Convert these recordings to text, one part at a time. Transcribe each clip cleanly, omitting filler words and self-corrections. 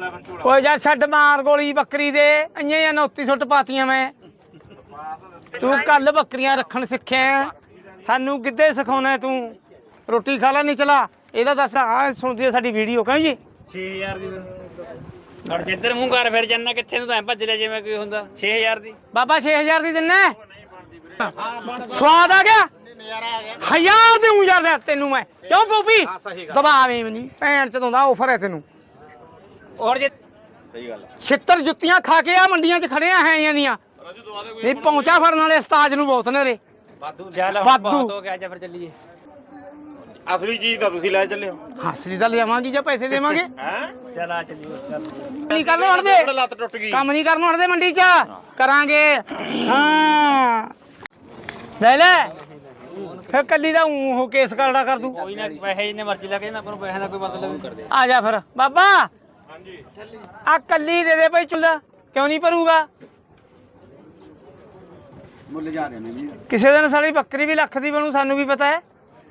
ਓਏ ਯਾਰ ਛੱਡ ਮਾਰ ਗੋਲੀ ਬੱਕਰੀ ਦੇ ਇੰਨੇ 29 ਸੁੱਟ ਪਾਤੀਆਂ ਮੈਂ ਤੂੰ ਕੱਲ ਬੱਕਰੀਆਂ ਰੱਖਣ ਸਿੱਖਿਆ ਸਾਨੂੰ ਕਿੱਦੇ ਸਿਖਾਉਣਾ ਤੂੰ ਰੋਟੀ ਖਾ ਲੈ ਨਹੀਂ ਚਲਾ ਇਹਦਾ ਦੱਸ ਆ ਸੁਣਦੀ ਆ ਸਾਡੀ ਵੀਡੀਓ ਕਹਾਂ ਜੀ 6000 ਦੀ ਔਰ ਜਿੱਧਰ ਮੂੰਹ ਕਰ ਫਿਰ ਜੰਨਾ ਕਿੱਥੇ ਨੂੰ ਤਾਂ ਭੱਜ ਲਿਆ ਜਿਵੇਂ ਕੋਈ ਹੁੰਦਾ 6000 ਦੀ ਬਾਬਾ 6000 ਦੀ ਦਿੰਨਾ ਸਵਾਦ ਆ ਗਿਆ ਹਜ਼ਾਰ ਦੇਉਂ ਯਾਰ ਤੈਨੂੰ ਮੈਂ ਕਿਉਂ ਪੂਪੀ ਦਬਾਵੇਂ ਨਹੀਂ ਭੈਣ ਚ ਦੋਂਦਾ ਆਫਰ ਹੈ ਤੈਨੂੰ ਔਰ ਜੇ ਸਹੀ ਗੱਲ ਛਿੱਤਰ ਜੁੱਤੀਆਂ ਖਾ ਕੇ ਆ ਮੰਡੀਆਂ 'ਚ ਖੜੇ ਆ ਹੈਆਂ ਦੀਆਂ ਨਹੀਂ ਪਹੁੰਚਾ ਫੜਨ ਵਾਲੇ ਉਸਤਾਦ ਨੂੰ ਬਹੁਤ ਨੇ ਰੇ ਚੱਲ ਵਾਧੂ। ਬਹੁਤ ਹੋ ਗਿਆ ਜਾ ਫਿਰ ਚੱਲੀਏ ਅਸਲੀ ਚੀਜ਼ ਤਾਂ ਤੁਸੀਂ ਲੈ ਚੱਲੇ ਹੋ ਹਾਸਰੀ ਤਾਂ ਲਿਆਵਾਂਗੀ ਜਾਂ ਪੈਸੇ ਦੇਵਾਂਗੇ ਹੈ ਚੱਲ ਆ ਚੱਲੀਏ ਚੱਲ ਨਹੀਂ ਕਰਨ ਹਟਦੇ ਲੱਤ ਟੁੱਟ ਗਈ ਕੰਮ ਨਹੀਂ ਕਰਨ ਹਟਦੇ ਮੰਡੀ 'ਚ ਕਰਾਂਗੇ ਹਾਂ ਲੈ ਲੈ ਫਿਰ ਕੱਲੀ ਦਾ ਉਹ ਕੇਸ ਕਰੜਾ ਕਰ ਦੂੰ ਕੋਈ ਨਾ ਪੈਸੇ ਜਿੰਨੇ ਮਰਜ਼ੀ ਲੱਗੇ ਨਾ ਆਪਾਂ ਨੂੰ ਪੈਸੇ ਦਾ ਕੋਈ ਮਤਲਬ ਨਹੀਂ ਕਰਦੇ ਆ ਜਾ ਫਿਰ ਬਾਬਾ ਹਾਂਜੀ ਆ ਕੱਲੀ ਦੇ ਦੇ ਭਾਈ ਚੁੱਲਾ ਕਿਉਂ ਨਹੀਂ ਭਰੂਗਾ ਮੁੱਲ ਜਾ ਰਹੇ ਨੇ ਜੀ ਕਿਸੇ ਦਿਨ ਸਾਡੀ ਬੱਕਰੀ ਵੀ ਲੱਖ ਦੀ ਬਣੂ ਸਾਨੂੰ ਵੀ ਪਤਾ ਹੈ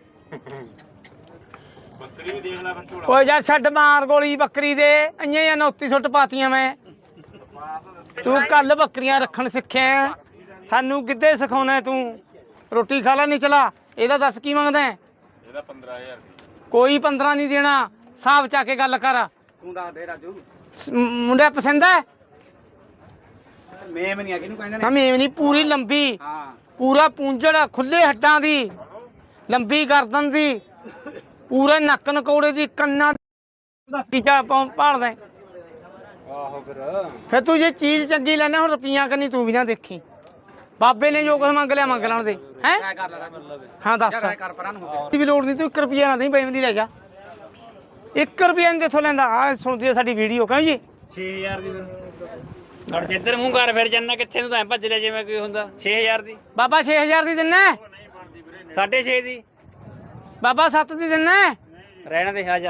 ਬੱਕਰੀ ਵੀ ਦੇਖ ਲੈ ਬੰਚੂੜਾ ਓਏ ਯਾਰ ਛੱਡ ਮਾਰ ਗੋਲੀ ਬੱਕਰੀ ਦੇ ਇੰਨੇ 29 ਸੁੱਟ ਪਾਤੀਆਂ ਮੈਂ ਤੂੰ ਕੱਲ ਬੱਕਰੀਆਂ ਰੱਖਣ ਸਿੱਖਿਆ ਸਾਨੂੰ ਕਿੱਦੇ ਸਿਖਾਉਣਾ ਤੂੰ ਰੋਟੀ ਖਾ ਲੈ ਨਹੀਂ ਚਲਾ ਇਹਦਾ ਦੱਸ ਕੀ ਮੰਗਦਾ ਇਹਦਾ 15000 ਕੋਈ 15 ਨਹੀਂ ਦੇਣਾ ਹਿਸਾਬ ਚਾ ਕੇ ਗੱਲ ਕਰ ਤੂੰ ਦੱਸ ਦੇ ਰਾਜੂ ਮੁੰਡਾ ਪਸੰਦ ਹੈ ਮੇਮ ਨਹੀਂ ਆ ਕਿਹਨੂੰ ਕਹਿੰਦੇ ਹਾਂ ਮੇਵ ਨਹੀਂ ਪੂਰੀ ਲੰਬੀ ਹਾਂ ਪੂਰਾ ਪੂੰਝੜ ਖੁੱਲੇ ਹੱਡਾਂ ਦੀ ਲੰਬੀ ਗਰਦਨ ਦੀ ਪੂਰੇ ਨੱਕ ਨਕੌੜੇ ਦੀ ਕੰਨਾਂ ਦੀ ਚਾ ਭਾਲਦਾ ਆਹੋ ਫਿਰ ਤੂੰ ਜੇ ਚੀਜ਼ ਚੰਗੀ ਲੈਣਾ ਹੁਣ ਰੁਪਈਆਂ ਕਰਨੀ ਤੂੰ ਵੀ ਨਾ ਦੇਖੀ ਬਾਬੇ ਨੇ ਜੋ ਕੁਝ ਮੰਗ ਲਿਆ ਮੰਗ ਲੈਣ ਦੇ ਹੈ ਕਰ ਲੈ ਹਾਂ ਦੱਸ ਕਰ ਪਰਾਂ ਨੂੰ ਹੋ ਦੀ ਵੀ ਲੋੜ ਨਹੀਂ ਤੂੰ 1 ਰੁਪਈਆ ਨਾ ਦੇਈਂ ਬੇਵੰਦੀ ਲੈ ਜਾ 1 ਰੁਪਈਆ ਨਹੀਂ ਦੇਖੋ ਲੈਂਦਾ ਆ ਸੁਣਦੀ ਆ ਸਾਡੀ ਵੀਡੀਓ ਕਹਾਂ ਜੀ 6000 ਦੀ ਔਰ ਜਿੱਧਰ ਮੂੰਹ ਕਰ ਫਿਰ ਜੰਨਾ ਕਿੱਥੇ ਨੂੰ ਤਾਂ ਭੱਜ ਲਿਆ ਜਿਵੇਂ ਕੋਈ ਹੁੰਦਾ 6000 ਦੀ ਬਾਬਾ 6000 ਦੀ ਦਿੰਨਾ 6.5 ਦੀ ਬਾਬਾ 7 ਦੀ ਦਿੰਨਾ ਰਹਿਣ ਦੇ ਆ ਜਾ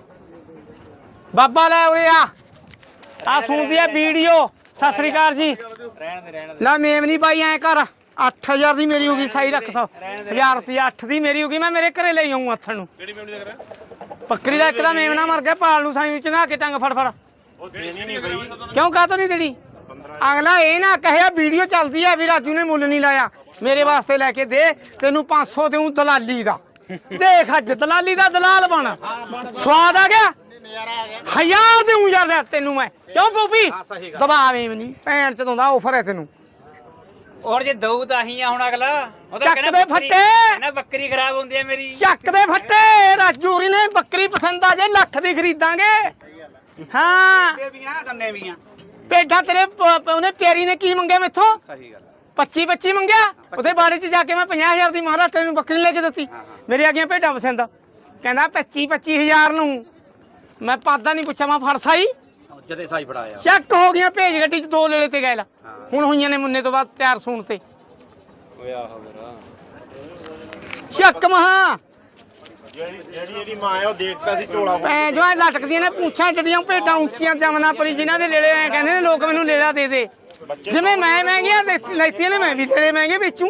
ਬਾਬਾ ਲੈ ਉਰੇ ਆ ਸੁਣਦੀ ਆ ਵੀਡੀਓ ਸਤਿ ਸ੍ਰੀ ਅਕਾਲ ਜੀ ਰਹਿਣ ਦੇ ਲੈ ਮੇਮ ਨਹੀਂ ਪਾਈ ਐ ਕਰ 8000 ਦੀ ਮੇਰੀ ਹੋ ਗਈ ਸਾਈ ਰੱਖ 1000 ਰੁਪਿਆ 8 ਦੀ ਮੇਰੀ ਹੋ ਗਈ ਮੈਂ ਮੇਰੇ ਘਰੇ ਲਈ ਆਉਂ ਹੱਥਣ ਨੂੰ ਕਿਹੜੀ ਮੇਮ ਦੀ ਕਰਾਂ ਬੱਕਰੀ ਦਾ ਇੱਕ ਦਾ ਮੇਮ ਨਾ ਮਰ ਗਿਆ ਪਾਲ ਨੂੰ ਸਾਈ ਚੰਗਾ ਕੇ ਟੰਗ ਫੜ ਫੜ ਉਹ ਦੇਣੀ ਨਹੀਂ ਬਈ ਕਿਉਂ ਕਾਹਤੋਂ ਨਹੀਂ ਦੇਣੀ ਅਗਲਾ ਇਹ ਨਾ ਕਹਿਆ ਵੀਡੀਓ ਚੱਲਦੀ ਆ ਵੀ ਰਾਜੂ ਨੇ ਮੁੱਲ ਨਹੀਂ ਲਾਇਆ ਮੇਰੇ ਵਾਸਤੇ ਲੈ ਕੇ ਦੇ ਤੈਨੂੰ 500 ਦੇਉਂ ਦਲਾਲੀ ਦਾ ਦੇਖ ਅੱਜ ਦਲਾਲੀ ਦਾ ਦਲਾਲ ਬਣ ਸਵਾਦ ਆ ਗਿਆ ਹਜ਼ਾਰ ਦੇਉਂ ਯਾਰ ਤੈਨੂੰ ਮੈਂ ਕਿਉਂ ਪੂਪੀ ਦਬਾਵੇਂ ਨਹੀਂ ਭੈਣ ਚ ਦੋਂਦਾ ਆਫਰ ਹੈ ਤੈਨੂੰ ਔਰ ਜੇ ਦਊ ਤਾਂ ਹੀ ਆ ਹੁਣ ਅਗਲਾ ਉਹ ਤਾਂ ਚੱਕ ਕਹਿੰਦਾ ਦੇ ਬੱਕਰੀ- ਫੱਟੇ। ਕਹਿੰਦਾ ਬੱਕਰੀ ਖਰਾਬ ਹੁੰਦੀ ਆ ਮੇਰੀ ਚੱਕ ਦੇ ਫੱਟੇ ਰਾਜੂਰੀ ਨੇ ਬੱਕਰੀ ਪਸੰਦ ਆ ਜੇ ਲੱਖ ਦੀ ਖਰੀਦਾਂਗੇ ਹਾਂ ਦੇ ਵੀ ਆ ਦੰਨੇ ਵੀ ਆ ਭੇਡਾਂ ਤੇਰੇ ਉਹਨੇ ਪਿਆਰੀ ਨੇ ਕੀ ਮੰਗਿਆ ਮੈਥੋਂ ਸਹੀ ਗੱਲ 25 ਮੰਗਿਆ ਉਹਦੇ ਬਾਰੇ ਚ ਜਾ ਕੇ ਮੈਂ 50000 ਦੀ ਮਹਾਰਾਸ਼ਟਰ ਨੂੰ ਬੱਕਰੀ ਲੈ ਕੇ ਦਿੱਤੀ ਮੇਰੇ ਆ ਗਈਆਂ ਭੇਡਾਂ ਪਸੰਦ ਕਹਿੰਦਾ 25000 ਨੂੰ ਮੈਂ ਪਾਦਾ ਨਹੀਂ ਪੁੱਛਿਆ ਮੈਂ ਫੜ ਸਾਈ ਜਦੇ ਸਾਈ ਫੜਾਇਆ ਚੱਕ ਹੋ ਗਈਆਂ ਭੇਜ ਗੱਡੀ ਚ 2 ਲੇਲੇ ਤੇ ਗਏ ਲਾ ਹੁਣ ਹੋਈਆਂ ਨੇ ਮੁੰਨੇ ਤੋਂ ਬਾਅਦ ਤਿਆਰ ਸੂਣ ਤੇ ਓਏ ਆਹੋ ਮੇਰਾ ਚੱਕ ਮਹਾ ਜਿਹੜੀ ਇਹਦੀ ਮਾਂ ਹੈ ਉਹ ਦੇਖਦਾ ਸੀ ਝੋਲਾ ਭੈਣ ਜੋ ਲਟਕਦੀਆਂ ਨੇ ਪੂੰਛਾਂ ਜੜੀਆਂ ਭੇਡਾਂ ਉੱਚੀਆਂ ਜਮਨਾ ਪਰੀ ਜਿਨ੍ਹਾਂ ਦੇ ਲੇਲੇ ਐ ਕਹਿੰਦੇ ਨੇ ਲੋਕ ਮੈਨੂੰ ਲੇਲਾ ਦੇ ਦੇ ਜਿਵੇਂ ਮੈਂ ਮਹਿੰਗੀਆਂ ਲੈਤੀਆਂ ਨੇ ਮੈਂ ਵੀ ਤੇਰੇ ਮਹਿੰਗੇ ਵੇਚੂ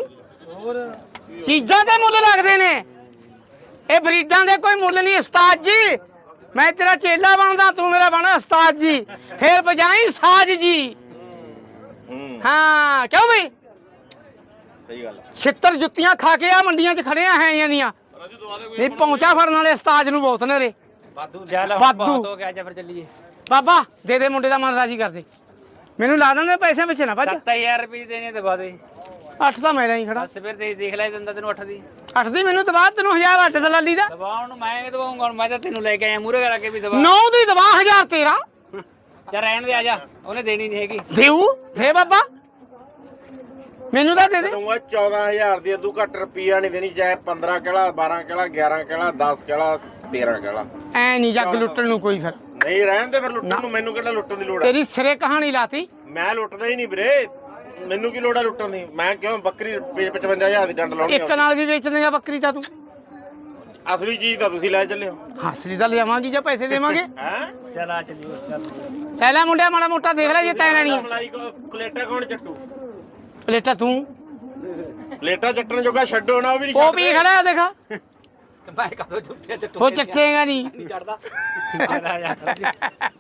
ਚੀਜ਼ਾਂ ਦੇ ਮੁੱਲ ਲੱਗਦੇ ਨੇ ਇਹ ਬਰੀਡਾਂ ਦੇ ਕੋਈ ਮੁੱਲ ਨਹੀਂ ਉਸਤਾਦ ਜੀ ਮੈਂ ਤੇਰਾ ਚੇਲਾ ਬਣਦਾ ਤੂੰ ਮੇਰਾ ਬਣ ਉਸਤਾਦ ਜੀ ਫੇਰ ਬਜਾਈ ਸਾਜ ਜੀ ਹਾਂ ਕਿਉਂ ਬਈ ਸਹੀ ਗੱਲ ਛਿੱਤਰ ਜੁੱਤੀਆਂ ਖਾ ਕੇ ਆ ਮੰਡੀਆਂ 'ਚ ਖੜੇ ਆ ਹੈਆਂ ਦੀਆਂ ਨਹੀਂ ਪਹੁੰਚਾ ਫੜਨ ਵਾਲੇ ਉਸਤਾਦ ਨੂੰ ਬਹੁਤ ਨੇ ਰੇ ਚੱਲ ਵਾਧੂ। ਬਹੁਤ ਹੋ ਗਿਆ ਜਾ ਫਿਰ ਚੱਲੀਏ ਬਾਬਾ ਦੇ ਦੇ ਮੁੰਡੇ ਦਾ ਮਨ ਰਾਜੀ ਕਰ ਦੇ ਮੈਨੂੰ ਲਾ ਦਿੰਦੇ ਪੈਸੇ ਪਿੱਛੇ ਨਾ ਭੱਜ 7000 ਰੁਪਏ ਦੇਣੇ ਦਵਾ ਦੇ 8 ਤਾਂ ਮੈਂ ਨਹੀਂ ਖੜਾ ਬਸ ਫਿਰ ਦੇਖ ਲੈ ਦਿੰਦਾ ਤੈਨੂੰ 8 ਦੀ 8 ਦੀ ਮੈਨੂੰ ਦਵਾ ਤੈਨੂੰ 1000 ਅੱਡ ਦਲਾਲੀ ਦਾ ਦਵਾਉਣ ਨੂੰ ਮੈਂ ਦਵਾਉਂਗਾ ਹੁਣ ਮੈਂ ਤਾਂ ਤੈਨੂੰ ਲੈ ਕੇ ਆਇਆ ਮੂਰੇ ਕਰਾ ਕੇ ਵੀ ਦਵਾ 9 ਦੀ ਦਵਾ 1000 ਤੇਰਾ ਚੱਲ ਰਹਿਣ ਦੇ ਆ ਜਾ ਉਹਨੇ ਦੇਣੀ ਨਹੀਂ ਹੈਗੀ ਦੇਊ ਦੇ ਬਾਬਾ ਮੈਨੂੰ ਤਾਂ ਦੇ ਦੇ ਦਊਂਗਾ 14000 ਦੀ ਅਦੂ ਘੱਟ ਰੁਪਈਆ ਨਹੀਂ ਦੇਣੀ ਚਾਹੇ 15 ਕਿਲਾ 12 ਕਿਲਾ 11 ਕਿਲਾ 10 ਕਿਲਾ 13 ਕਿਲਾ ਐ ਨਹੀਂ ਜੱਗ ਲੁੱਟਣ ਨੂੰ ਕੋਈ ਫਿਰ ਨਹੀਂ ਰਹਿਣ ਦੇ ਫਿਰ ਲੁੱਟਣ ਨੂੰ ਮੈਨੂੰ ਕਿਹੜਾ ਲੁੱਟਣ ਦੀ ਲੋੜ ਹੈ ਤੇਰੀ ਸਿਰੇ ਕਹਾਣੀ ਲਾਤੀ ਮੈਂ ਲੁੱਟਦਾ ਹੀ ਨਹੀਂ ਵੀਰੇ ਮੈਨੂੰ ਕੀ ਲੋੜ ਹੈ ਲੁੱਟਣ ਦੀ ਮੈਂ ਕਿਉਂ ਬੱਕਰੀ 55000 ਦੀ ਡੰਡ ਲਾਉਣੀ ਇੱਕ ਨਾਲ ਵੀ ਵੇਚ ਦੇਗਾ ਬੱਕਰੀ ਤਾਂ ਤੂੰ ਅਸਲੀ ਚੀਜ਼ ਤਾਂ ਤੁਸੀਂ ਲੈ ਚੱਲੇ ਹੋ ਹਾਸਰੀ ਤਾਂ ਲਿਆਵਾਂਗੀ ਜਾਂ ਪੈਸੇ ਦੇਵਾਂਗੇ ਹੈ ਚੱਲ ਆ ਚੱਲੀਏ ਚੱਲ ਲੈ ਲੈ ਮੁੰਡਿਆ ਮਾੜਾ ਮੋਟਾ ਦੇਖ ਲੈ ਜੇ ਤੈਂ ਲੈਣੀ ਆ ਮਲਾਈ ਕੋ ਪਲੇਟਾ ਕੌਣ ਚੱਟੂ ਪਲੇਟਾ ਤੂੰ ਪਲੇਟਾ ਚੱਟਣ ਜੋਗਾ ਛੱਡੋ ਨਾ ਉਹ ਵੀ ਨਹੀਂ ਉਹ ਵੀ ਖੜਾ ਦੇਖਾ ਮੈਂ ਕਦੋਂ ਝੁੱਟਿਆ ਚੱਟੂ ਉਹ ਚੱਟੇਗਾ ਨਹੀਂ ਨਹੀਂ ਚੜਦਾ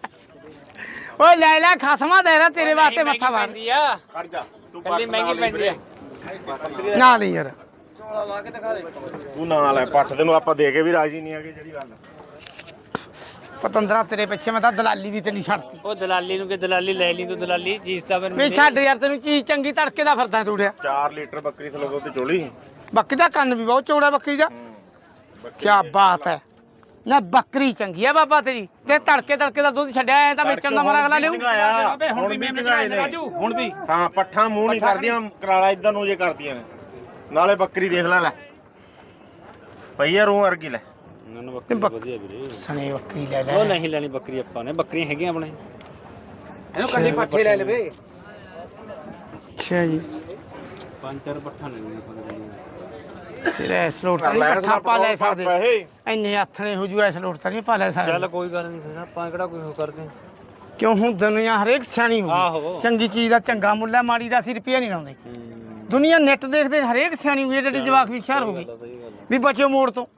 ਓਏ ਲੈ ਲੈ ਖਸਮਾ ਦੇ ਰਾ ਤੇਰੇ ਵਾਸਤੇ ਮੱਥਾ ਮਾਰ ਪੈਂਦੀ ਆ ਖੜ ਜਾ ਤੂੰ ਕੱਲੀ ਮਹਿੰਗੀ ਪੈਂਦੀ ਆ ਨਾ ਲਈ ਯਾਰ ਤੂੰ ਨਾ ਲੈ ਪੱਠ ਤੈਨੂੰ ਆਪਾਂ ਦੇ ਕੇ ਵੀ ਰਾਜੀ ਨਹੀਂ ਹੈਗੇ ਜਿਹੜੀ ਗੱਲ ਪਤੰਦਰਾ ਤੇਰੇ ਪਿੱਛੇ ਮੈਂ ਤਾਂ ਦਲਾਲੀ ਦੀ ਤੈਨੂੰ ਛੱਡਤੀ ਉਹ ਦਲਾਲੀ ਨੂੰ ਕਿ ਦਲਾਲੀ ਲੈ ਲਈ ਤੂੰ ਦਲਾਲੀ ਚੀਜ਼ ਤਾਂ ਫਿਰ ਵੀ ਛੱਡ ਯਾਰ ਤੈਨੂੰ ਚੀਜ਼ ਚੰਗੀ ਤੜਕੇ ਦਾ ਫਿਰਦਾ ਤੂੜਿਆ 4 ਲੀਟਰ ਬੱਕਰੀ ਥਲੇ ਦੁੱਧ ਚੋਲੀ ਬੱਕਰੀ ਦਾ ਕੰਨ ਵੀ ਬਹੁਤ ਚੌੜਾ ਬੱਕਰੀ ਦਾ ਕੀ ਬਾਤ ਹੈ ਨਾ ਬੱਕਰੀ ਚੰਗੀ ਆ ਬਾਬਾ ਤੇਰੀ ਤੇ ਤੜਕੇ ਦਾ ਦੁੱਧ ਛੱਡਿਆ ਐ ਤਾਂ ਵੇਚਣ ਦਾ ਮਰਾ ਅਗਲਾ ਲਿਓ ਹੁਣ ਵੀ ਨਿਗਾਏ ਨੇ ਹੁਣ ਵੀ ਹਾਂ ਪੱਠਾਂ ਮੂੰਹ ਨਹੀਂ ਕਰਦੀਆਂ ਕਰਾਲਾ ਇਦਾਂ ਨੂੰ ਜੇ ਕਰਦੀਆਂ ਨੇ ਨਾਲੇ ਬੱਕਰੀ ਦੇਖ ਲੈ ਪਈਆ ਰੂਹ ਵਰਗੀ ਲੈ ਮੈਨੂੰ ਬੱਕਰੀ ਵਧੀਆ ਵੀਰੇ ਸਣੇ ਬੱਕਰੀ ਲੈ ਉਹ ਲੈ ਨਹੀਂ ਲੈਣੀ ਬੱਕਰੀ ਆਪਾਂ ਨੇ ਬੱਕਰੀਆਂ ਹੈਗੀਆਂ ਆਪਣੇ ਇਹਨੂੰ ਕੱਲੀ ਪੱਠੇ ਲੈ ਲਵੇ ਅੱਛਾ ਜੀ 5-4 ਪੱਠਾ ਲੈਣੀਆਂ ਆਪਾਂ ਨੇ ਤੇਰੇ ਇਸ ਲੋਟ ਤਾਂ ਨਹੀਂ ਪੱਠਾ ਪਾ ਲੈ ਸਕਦੇ ਇੰਨੇ ਹੱਥਣੇ ਹੋ ਜੂ ਇਸ ਲੋਟ ਤਾਂ ਨਹੀਂ ਪਾ ਲੈ ਸਕਦੇ ਚੱਲ ਕੋਈ ਗੱਲ ਨਹੀਂ ਫਿਰ ਆਪਾਂ ਕਿਹੜਾ ਕੋਈ ਹੋ ਕਰਦੇ ਕਿਉਂ ਹੁਣ ਦੁਨੀਆ ਹਰੇਕ ਸਿਆਣੀ ਹੋ ਆਹੋ। ਗਈ ਚੰਗੀ ਚੀਜ਼ ਦਾ ਚੰਗਾ ਮੁੱਲ ਹੈ ਮਾੜੀ ਦਾ ਅਸੀਂ ਰੁਪਈਆ ਨਹੀਂ ਲਾਉਂਦੇ ਦੁਨੀਆ ਨੈਟ ਦੇਖਦੇ ਹਰੇਕ ਸਿਆਣੀ ਹੋਈ ਜਿਹੜੀ ਜਵਾਕ ਵੀ ਸ਼ਹਿਰ ਹੋ ਗਈ ਵੀ ਬਚਿਓ ਮੋੜ ਤੋਂ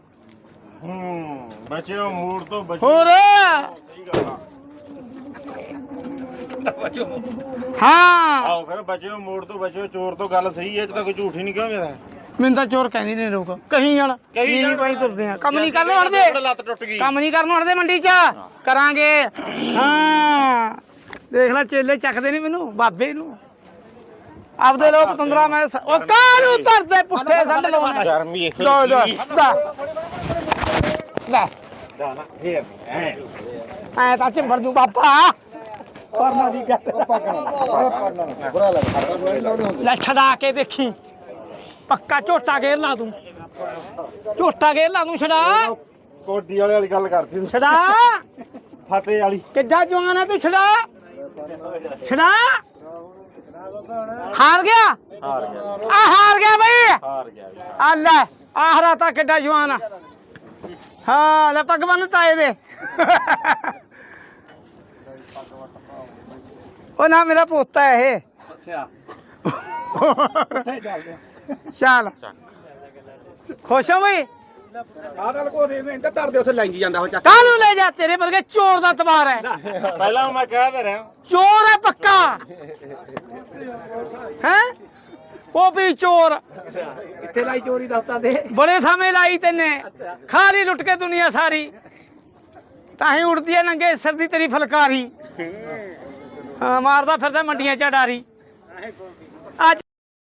ਬਚਿਓ ਮੂਡ ਤੋਂ ਬਚਿਓ ਹੋਰ ਸਹੀ ਗੱਲ ਆ ਹਾਂ ਆਓ ਫਿਰ ਬਚਿਓ ਮੂਡ ਤੋਂ ਬਚਿਓ ਚੋਰ ਤੋਂ ਗੱਲ ਸਹੀ ਹੈ ਇਹ 'ਚ ਤਾਂ ਕੋਈ ਝੂਠ ਹੀ ਨਹੀਂ ਕਿਹਾ ਮੇਰਾ ਮੈਨੂੰ ਤਾਂ ਚੋਰ ਕਹਿੰਦੇ ਨੇ ਲੋਕ ਕਹੀ ਜਾਣ ਨਹੀਂ ਭਾਈ ਤੁਰਦੇ ਆ ਕੰਮ ਨਹੀਂ ਕਰਨੋਂ ਹਟਦੇ ਲੱਤ ਟੁੱਟ ਗਈ ਕੰਮ ਨਹੀਂ ਕਰਨੋਂ ਹਟਦੇ ਮੰਡੀ 'ਚ ਕਰਾਂਗੇ ਹਾਂ ਦੇਖ ਲੈ ਚੇਲੇ ਚੱਕਦੇ ਨਹੀਂ ਮੈਨੂੰ ਬਾਬੇ ਨੂੰ ਆਪਦੇ ਲੋਕ 15 ਮੈਂ ਉਹ ਕਾਹਨੂੰ ਤਰਦੇ ਪੁੱਠੇ ਸੰਡ ਲਾਉਣੇ ਸ਼ਰਮ ਵੀ ਇੱਕ ਲੋ ਲੋ ਲੈ ਨਾ ਫੇਰ ਐ ਤਾਂ ਚਿੰਬੜ ਜੂ ਬਾਬਾ ਪਰਨਾ ਦੀ ਗੱਲ ਪਰਨਾ ਬੁਰਾ ਲੱਗਦਾ ਲੈ ਛਡਾ ਕੇ ਦੇਖੀ ਪੱਕਾ ਝੋਟਾ ਗੇਰ ਲਾ ਦੂੰ ਝੋਟਾ ਗੇਰ ਲਾ ਦੂੰ ਛਡਾ ਕੋਡੀ ਵਾਲੀ ਗੱਲ ਕਰਦੀ ਤੂੰ ਛਡਾ ਫਤਿਹ ਵਾਲੀ ਕਿੱਡਾ ਜਵਾਨ ਹੈ ਤੂੰ ਛੜਾ ਛੜਾ ਹਾਰ ਗਿਆ ਹਾਰ ਗਿਆ ਆ ਹਾਰ ਗਿਆ ਬਈ ਹਾਰ ਗਿਆ ਵੀ। ਆ ਲੈ ਆਹਰਾ ਤਾਂ ਕਿੱਡਾ ਜਵਾਨ ਆ ਹਾਂ ਲੈ ਪੱਗ ਬੰਨ ਤਾਏ ਦੇ ਉਹ ਨਾ ਮੇਰਾ ਪੋਤਾ ਹੈ ਇਹ ਚੱਲ ਖੁਸ਼ ਹੋ ਬਈ ਆਹ ਨਾਲ ਕੋ ਦੇ ਇੰਦਾ ਧਰਦੇ ਉੱਥੇ ਲੈਂਗੀ ਜਾਂਦਾ ਉਹ ਚੱਕ ਕਾਹਨੂੰ ਲੈ ਜਾ ਤੇਰੇ ਵਰਗੇ ਚੋਰ ਦਾ ਤਬਾਰ ਹੈ ਪਹਿਲਾਂ ਮੈਂ ਕਹਿ ਦੇ ਰਿਹਾ ਚੋਰ ਹੈ ਪੱਕਾ ਹੈ ਉਹ ਵੀ ਚੋਰ ਇੱਥੇ ਲਾਈ ਚੋਰੀ ਦਸਤਾ ਦੇ ਬੜੇ ਥਾਵੇਂ ਲਾਈ ਤੈਨੇ ਖਾਲੀ ਲੁੱਟ ਕੇ ਦੁਨੀਆ ਸਾਰੀ ਤਾਂ ਹੀ ਉੜਦੀ ਹੈ ਨੰਗੇ ਸਿਰ ਦੀ ਤੇਰੀ ਫਲਕਾਰੀ ਹਾਂ ਮਾਰਦਾ ਫਿਰਦਾ ਮੰਡੀਆਂ ਚ ਡਾਰੀ ਅੱਜ